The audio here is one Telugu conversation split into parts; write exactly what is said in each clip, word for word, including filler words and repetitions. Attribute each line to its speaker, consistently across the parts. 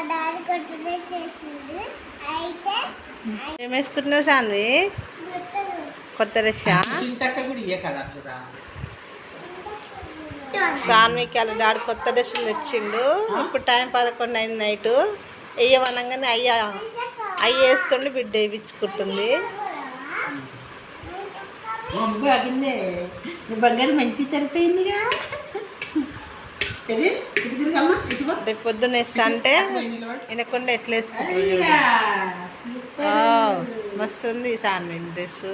Speaker 1: ఏం వేసుకుంటున్నావు సాన్వి? కొత్త డ్రెస్. సాన్వికి అలా డాడీ కొత్త డ్రెస్సులు తెచ్చిండు. ఇప్పుడు టైం పదకొండు అయింది నైట్. వేయమనగానే అయ్య అయ్య వేస్తుండి బిడ్డ వేయించుకుంటుంది.
Speaker 2: బంగారు మంచి సరిపోయిందిగా.
Speaker 1: రేపు పొద్దున్న వేస్తా అంటే వినకుండా ఎట్లా వేసుకుంటుంది. మస్తు ఉంది సాన్వి డ్రెస్.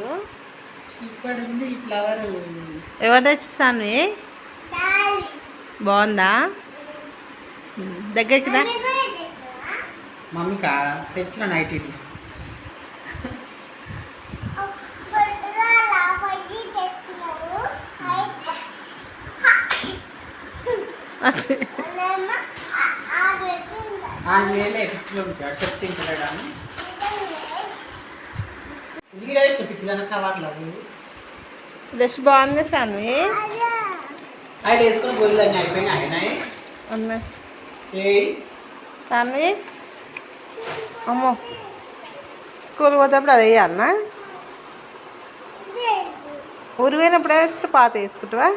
Speaker 1: ఎవరు తెచ్చి సాన్వి? బాగుందా? దగ్గరికి రా.
Speaker 2: మమ్మీకా తెచ్చిన నైట్ ఆరు వేలే పిచ్చిలో ఉంటాడు చెప్తించలేడా ఇంటికి పిచ్చిదాన్ని కవర్లో
Speaker 1: డ్రెస్ బాగుంది సాన్వి.
Speaker 2: ఆయన వేసుకుని గొల్లు అయిపోయినా అయినాయి
Speaker 1: ఉన్నాయి. సాన్వి అమ్మో స్కూల్ పోతేప్పుడు అది వేయాలన్నా? ఊరు పోయినప్పుడు వేసుకుంటే పాత వేసుకుంటావా?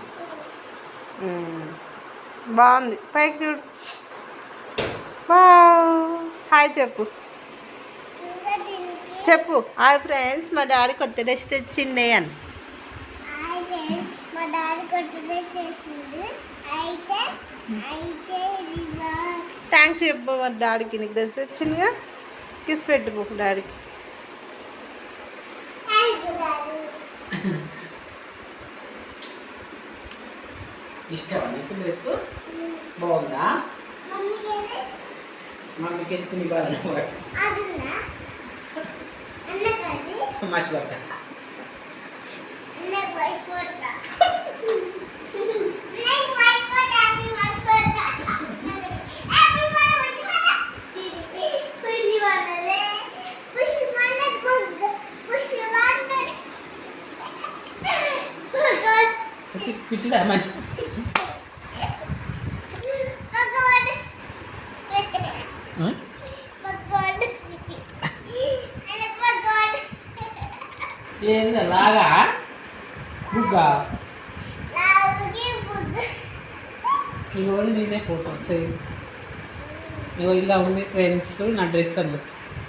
Speaker 1: బాగుంది. పైకి చూడు. హాయ్ చెప్పు చెప్పు హాయ్ ఫ్రెండ్స్, మా డాడీ కొత్త డ్రెస్ తెచ్చిండే అని. థ్యాంక్స్ చెప్పు మా డాడీకి. నీకు డ్రెస్ తెచ్చిందిగా, కిస్ పెట్టుకో డాడీకి.
Speaker 2: ఇష్టమా నీకు డ్రెస్? బాగుందా? మమ్మీకి ఎత్తుకుని బాధ మర్చిపోతా. పిచ్చిదా మరి ఏందా లాగా బుగ్గా ఇగో నేనే ఫోటోస్ ఇగో ఇలా ఉంది ఫ్రెండ్స్ నా డ్రెస్ అని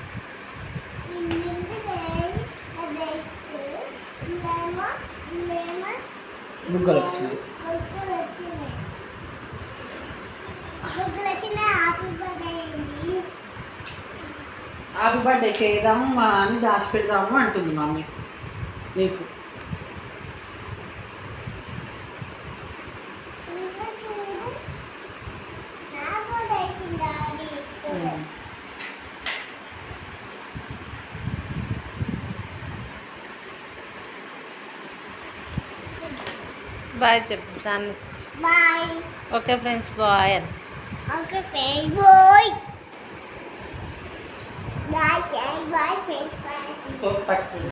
Speaker 2: బుగ్గలు వచ్చినాయి. హ్యాపీ బర్త్డేకి వేద్దాము అని దాచిపెడదాము అంటుంది మమ్మీ నీకు.
Speaker 1: బాయ్ చెప్పు దాన్ని.
Speaker 3: Bye.
Speaker 1: Okay friends bye.
Speaker 3: Okay friends bye. Bye bye friends.
Speaker 2: So